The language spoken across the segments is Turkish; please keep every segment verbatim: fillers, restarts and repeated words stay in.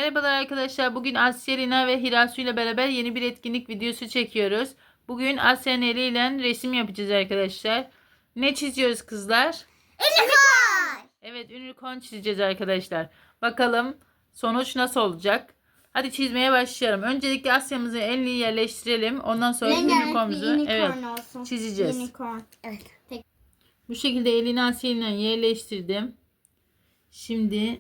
Merhabalar arkadaşlar. Bugün Asya, Lina ve Hirasu ile beraber yeni bir etkinlik videosu çekiyoruz. Bugün Asya'nın eliyle resim yapacağız arkadaşlar. Ne çiziyoruz kızlar? Unicorn. Evet, unicorn çizeceğiz arkadaşlar. Bakalım sonuç nasıl olacak? Hadi çizmeye başlayalım. Öncelikle Asya'mızı elini yerleştirelim. Ondan sonra unicornumuzu evet olsun. çizeceğiz. Unicorn. Evet. Peki. Bu şekilde elini Asya ile yerleştirdim. Şimdi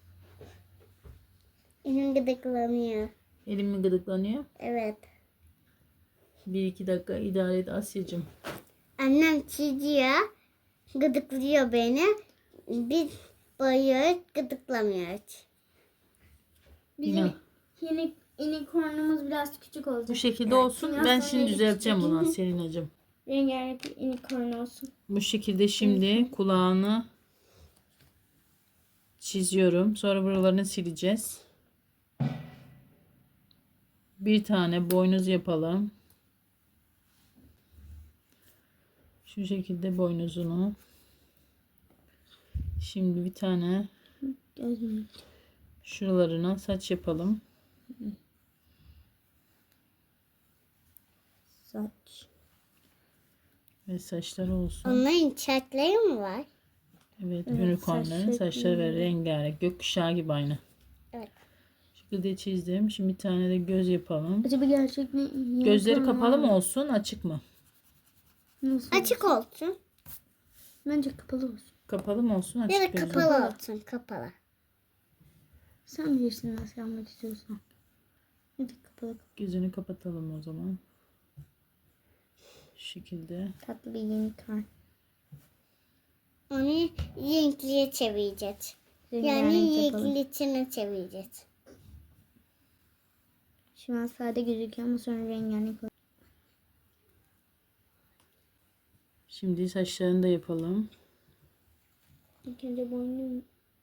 Elim gıdıklanıyor. elim mi gıdıklanıyor? Evet. Bir iki dakika idare et Asya'cığım. Annem çiziyor. Gıdıklıyor beni. Biz boyuyoruz. Gıdıklamıyor hiç. Bizim Yeni unicornumuz biraz küçük olacak. Bu şekilde olsun. Biraz Ben sonra şimdi düzelteceğim küçük. bunu Selinacığım. Rengarenk bir unicorn olsun. Bu şekilde şimdi kulağını çiziyorum. Sonra buralarını sileceğiz. Bir tane boynuz yapalım. Şu şekilde boynuzunu. Şimdi bir tane Gözüm. şuralarına saç yapalım. Saç. Ve saçları olsun. Onların çatları mı var? Evet, Evet, unicornların saç saçları ve şekli. rengarenk. Gökkuşağı gibi aynı. Evet. Şu şekilde çizdim. Şimdi bir tane de göz yapalım. Acaba gerçek mi? Gözleri Unicorn kapalı var mı olsun, açık mı? Nasıl? Açık olsun. Bence kapalı olsun. Kapalı mı olsun, açık Ya da gözü? kapalı olsun. Kapalı. Sen bilirsin nasıl yapmak istiyorsan. Ya da kapalı. Gözünü kapatalım o zaman. Şu şekilde. Tatlı bir unicorn. Onu renkliye çevireceğiz. Yani Rengarenk yapalım. renkli içine çevireceğiz. Şu an sade gözüküyor ama sonra rengarenk olur. Şimdi saçlarını da yapalım. İlk önce boynum.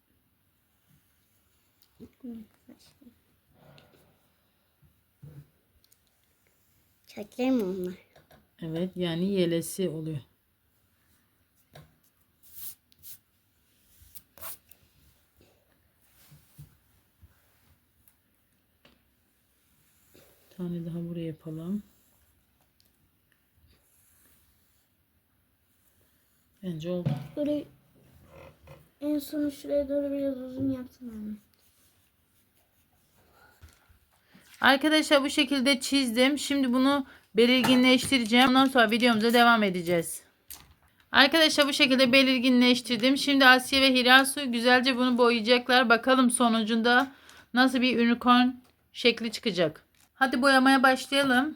Çatları mı onlar? Evet, yani yelesi oluyor. Bir tane daha buraya yapalım. Bence oldu. Böyle en son şuraya doğru biraz uzun yapsın anne. Arkadaşlar bu şekilde çizdim. Şimdi bunu belirginleştireceğim. Ondan sonra videomuza devam edeceğiz. Arkadaşlar bu şekilde belirginleştirdim. Şimdi Asya ve Hirasu güzelce bunu boyayacaklar. Bakalım sonucunda nasıl bir unicorn şekli çıkacak. Hadi boyamaya başlayalım.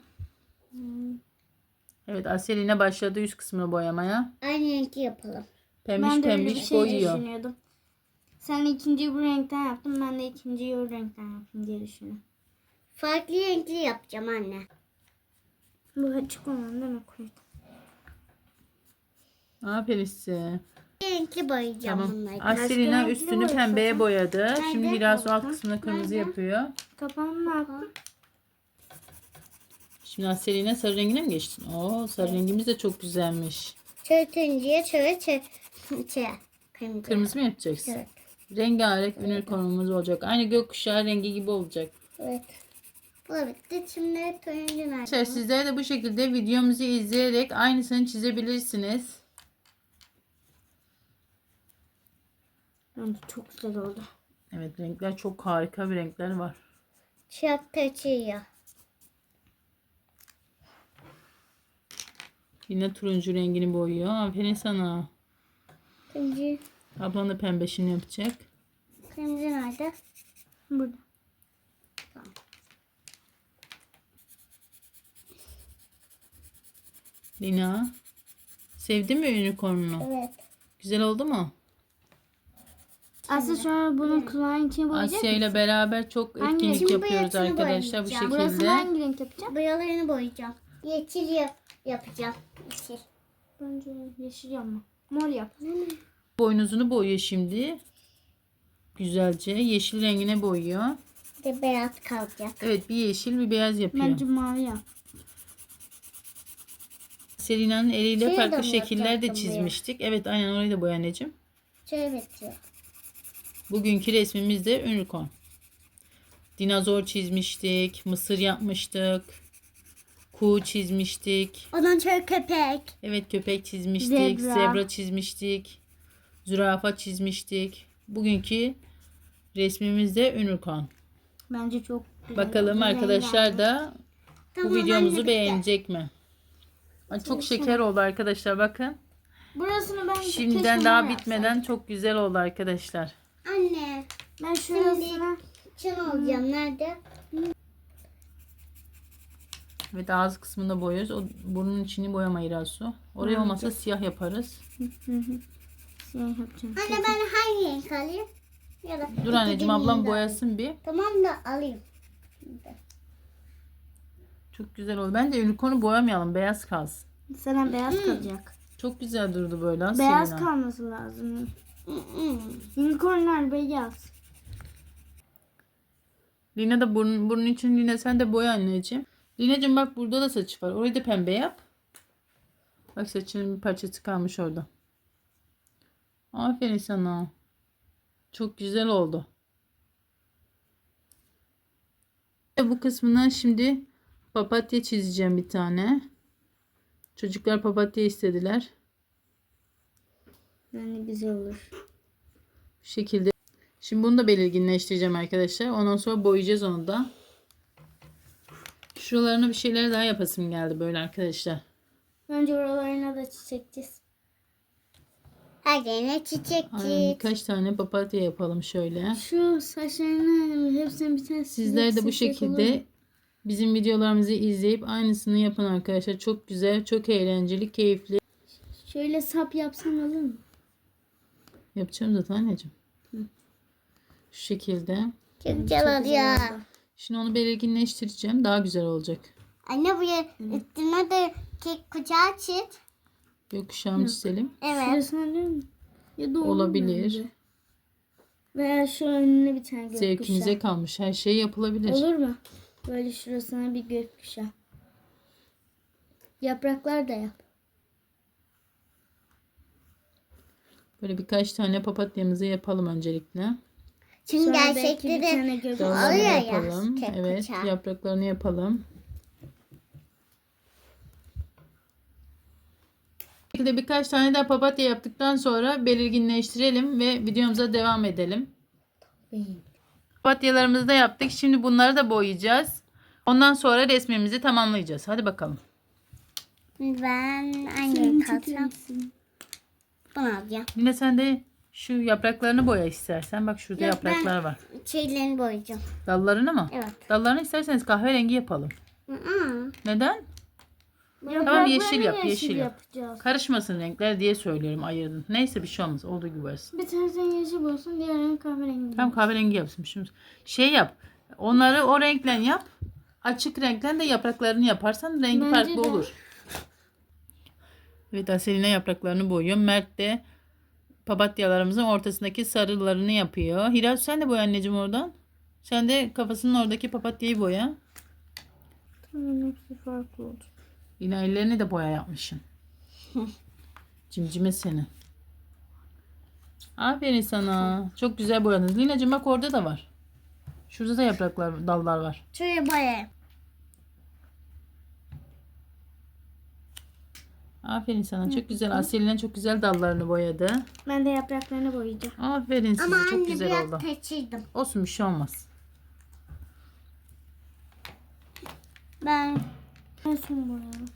Evet, Asya yine başladı üst kısmını boyamaya. Aynı renkli yapalım. Pembiş Ben de öyle bir pembiş şey boyuyor. düşünüyordum. Sen ikinciyi bu renkten yaptın. Ben de ikinciyi o renkten yaptım diye düşünüyorum. Farklı renkli yapacağım anne. Bu açık olan değil mi? Koydum. Aferin size. Renkli boyayacağım Tamam. bunları. Aselina renkli üstünü boyasın. pembeye boyadı. Şimdi Nerede? Hirasu alt kısmını kırmızı Nerede? yapıyor. Kapağını ne yaptın? Şimdi Aselina sarı rengine mi geçtin? Oo, sarı rengimiz de çok güzelmiş. Şöyle turuncuya şöyle şöyle şey, kırmızı. Kırmızı mı yapacaksın? Evet. Rengarenk unicornumuz olacak. Aynı gökkuşağı rengi gibi olacak. Evet. Bu da bitti. Şimdi turuncu nerede? Arkadaşlar sizler de bu şekilde videomuzu izleyerek aynısını çizebilirsiniz. Bence çok güzel oldu. Evet, renkler çok harika bir renkler var. Çok taçıyor. Yine turuncu rengini boyuyor. Aferin sana. Turuncu. Ablan da pembeşini yapacak. Kırmızı nerede? Burada. Lina. Sevdin mi unicornunu? Evet. Güzel oldu mu? Aslı sonra bunun kulağın içine boyayacak Asya mısın? ile beraber çok Hangi etkinlik renk? yapıyoruz Şimdi bu arkadaşlar bu boyayacağım. Burasını şekilde. hangi renk yapacağım? Boyalarını boyayacağım. Yeşil yap yapacağım. Yeşil. Bence yeşil yapma. Mor yap. Boynuzunu boyuyor şimdi. Güzelce yeşil rengine boyuyor. Bir de beyaz kalacak. Evet, bir yeşil bir beyaz yapıyor. Bence mavi yap. Selina'nın eliyle Şurayı da farklı mı şekiller de yapacaktım çizmiştik. Evet, aynen orayı da boya anneciğim. Şöyle bitiyor. Bugünkü resmimiz de unicorn. dinozor çizmiştik. Mısır yapmıştık. Kuğu çizmiştik. Ondan sonra köpek. Evet, köpek çizmiştik. Zebra. Zebra çizmiştik. Zürafa çizmiştik. Bugünkü resmimiz de unicorn. Bence çok güzel. Bakalım arkadaşlar da bu Tamam, videomuzu anne, beğenecek mi? Ay, çok şeker oldu arkadaşlar, bakın. Burasını ben Şimdiden keşke daha ben bitmeden yapsaydım. çok güzel oldu arkadaşlar. Anne. Ben şurasına Çın olacağım. Nerede? Evet, ağız kısmında boyuyoruz. O burnun içini boyama Hirasu. Oraya olmasa siyah yaparız. siyah yapacağım. Anne ben hangi renk alayım? Ya da Dur anneciğim, ikisini ablam de boyasın bir. alayım. Tamam da alayım. Çok güzel oldu. Bence unicorn'u boyamayalım. Beyaz kalsın. Sana beyaz kalacak. Çok güzel durdu böyle. ha, Beyaz Selina. kalması lazım. Hı hı. Unicornlar beyaz. Lina da burun, burnun için, Lina sen de boya anneciğim. Lina'cığım bak, burada da saçı var. Orayı da pembe yap. Bak, saçının bir parçası kalmış orada. Aferin sana. Çok güzel oldu. Bu kısmına şimdi papatya çizeceğim bir tane. Çocuklar papatya istediler. Yani güzel olur. Bu şekilde. Şimdi bunu da belirginleştireceğim arkadaşlar. Ondan sonra boyayacağız onu da. Şuralarına bir şeyler daha yapasım geldi böyle arkadaşlar. Önce oralarına da çiçek çiz. Her yerine çiçek Aynen, çiz. birkaç tane papatya yapalım şöyle. Şu saçlarını hepsini bir tane Sizler de bu çizsek olur mu? şekilde bizim videolarımızı izleyip aynısını yapın arkadaşlar. Çok güzel, çok eğlenceli, keyifli. Şöyle sap yapsam olur mu? Yapacağım zaten anneciğim. Şu şekilde. Çok güzel oluyor. Şimdi onu belirginleştireceğim. Daha güzel olacak. Anne bu ya üstüne de kek kucağı çiz. Gökkuşağını çizelim. Evet. Şurasına değil mi? Ya da olur Olabilir. bence. Veya şu önüne bir tane gökkuşağı. Zevkinize kalmış. Her şey yapılabilir. Olur mu? Böyle şurasına bir gökkuşağı. Yapraklar da yap. Böyle birkaç tane papatyamızı yapalım öncelikle. Çünkü Sonra belki bir gerçekleri tane gökkuşağı. Dallarını Oluyor ya, yapalım. kek Evet, bıçağı. yapraklarını yapalım. Bu şekilde birkaç tane daha papatya yaptıktan sonra belirginleştirelim ve videomuza devam edelim. Papatyalarımızı da yaptık. Şimdi bunları da boyayacağız. Ondan sonra resmimizi tamamlayacağız. Hadi bakalım. ben hangi kalsam bunu alacağım. Yine sen de şu yapraklarını boya istersen. Bak şurada Yok, yapraklar var. Şeylerini boyayacağım. Dallarını mı? Evet. Dallarını isterseniz kahverengi yapalım. Hı-hı. Neden? Yapraklarını yeşil yap, yeşil yap. yapacağız. Karışmasın renkler diye söylüyorum, ayırdım. Neyse, bir şey olmaz. Olduğu gibi varsın. Bir tanesi yeşil olsun, diğerini kahverengi. Tam kahverengi yapsın. Şimdi şey yap. Onları o renkle yap. Açık renkle de yapraklarını yaparsan rengi Bence farklı de. olur. Evet, Aseline yapraklarını boyuyor. Mert de papatyalarımızın ortasındaki sarılarını yapıyor. Hiraz, sen de boya anneciğim oradan. Sen de kafasının oradaki papatyayı boya. Tamam, hepsi farklı oldu. Yine ellerini de boya yapmışsın. Cimcime seni. Aferin sana. Çok güzel boyadınız. Lina'cığım bak, orada da var. Şurada da yapraklar, dallar var. Şuraya boyayayım. Aferin sana. Çok güzel. Aselina çok güzel dallarını boyadı. Ben de yapraklarını boyayacağım. Aferin size. Ama Çok anne güzel biraz oldu. kaçırdım. Olsun, bir şey olmaz. Ben En son boyayalım.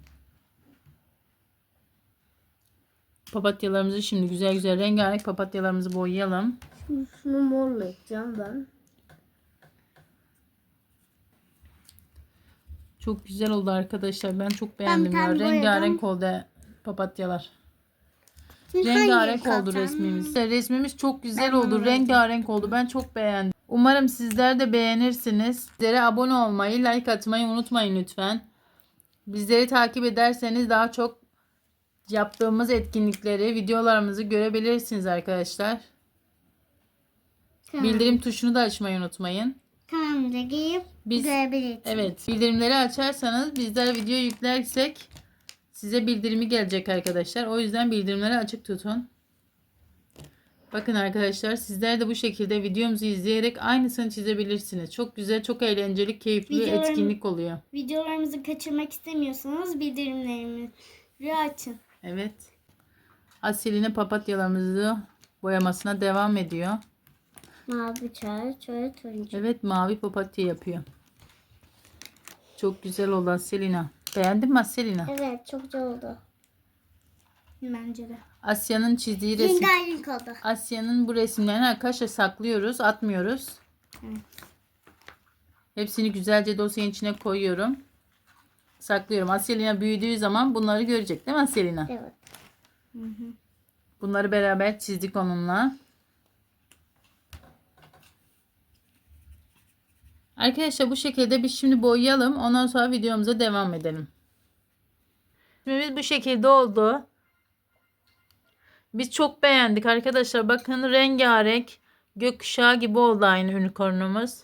Papatyalarımızı şimdi güzel güzel rengarenk papatyalarımızı boyayalım. Şunu morla yapacağım ben. Çok güzel oldu arkadaşlar. Ben çok beğendim bir ya. tane Rengarenk oldu papatyalar. Şimdi Rengarenk hangi oldu kalsam? resmimiz. Resmimiz çok güzel Ben oldu. bunu Rengarenk oldu. Ben çok beğendim. Umarım sizler de beğenirsiniz. Sizlere abone olmayı, like atmayı unutmayın lütfen. Bizleri takip ederseniz daha çok yaptığımız etkinlikleri, videolarımızı görebilirsiniz arkadaşlar. Tamam. Bildirim tuşunu da açmayı unutmayın. Kanalımıza girip Biz görebilirsiniz. evet, bildirimleri açarsanız bizler video yüklersek size bildirimi gelecek arkadaşlar. O yüzden bildirimleri açık tutun. Bakın arkadaşlar, sizler de bu şekilde videomuzu izleyerek aynısını çizebilirsiniz. Çok güzel, çok eğlenceli, keyifli bir Videolarım- etkinlik oluyor. Videolarımızı kaçırmak istemiyorsanız bildirimlerimizi açın. Evet. Asil'ine papatyalarımızı boyamasına devam ediyor. Mavi çay, çay turuncu. Evet, mavi papatya yapıyor. Çok güzel oldu Aselina. Beğendin mi Aselina? Evet, çok güzel oldu. Bence de. Asya'nın çizdiği resim. Rengarenk oldu. Asya'nın bu resimlerini arkadaşlar saklıyoruz, atmıyoruz. Evet. Hepsini güzelce dosyanın içine koyuyorum. Saklıyorum. Aselina büyüdüğü zaman bunları görecek değil mi Aselina? Evet. Hı hı. Bunları beraber çizdik onunla. Arkadaşlar bu şekilde biz şimdi boyayalım. Ondan sonra videomuza devam edelim. Resmimiz bu şekilde oldu. Biz çok beğendik arkadaşlar. Bakın rengarenk gökkuşağı gibi oldu aynı unicornumuz.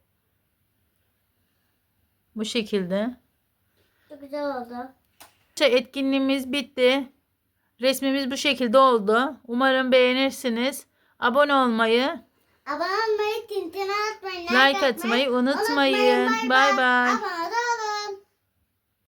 Bu şekilde. Çok güzel oldu. Etkinliğimiz bitti. Resmimiz bu şekilde oldu. Umarım beğenirsiniz. Abone olmayı, Abone olmayı, tintini atmayı, like atmayı unutmayın. Bay bay. Bye.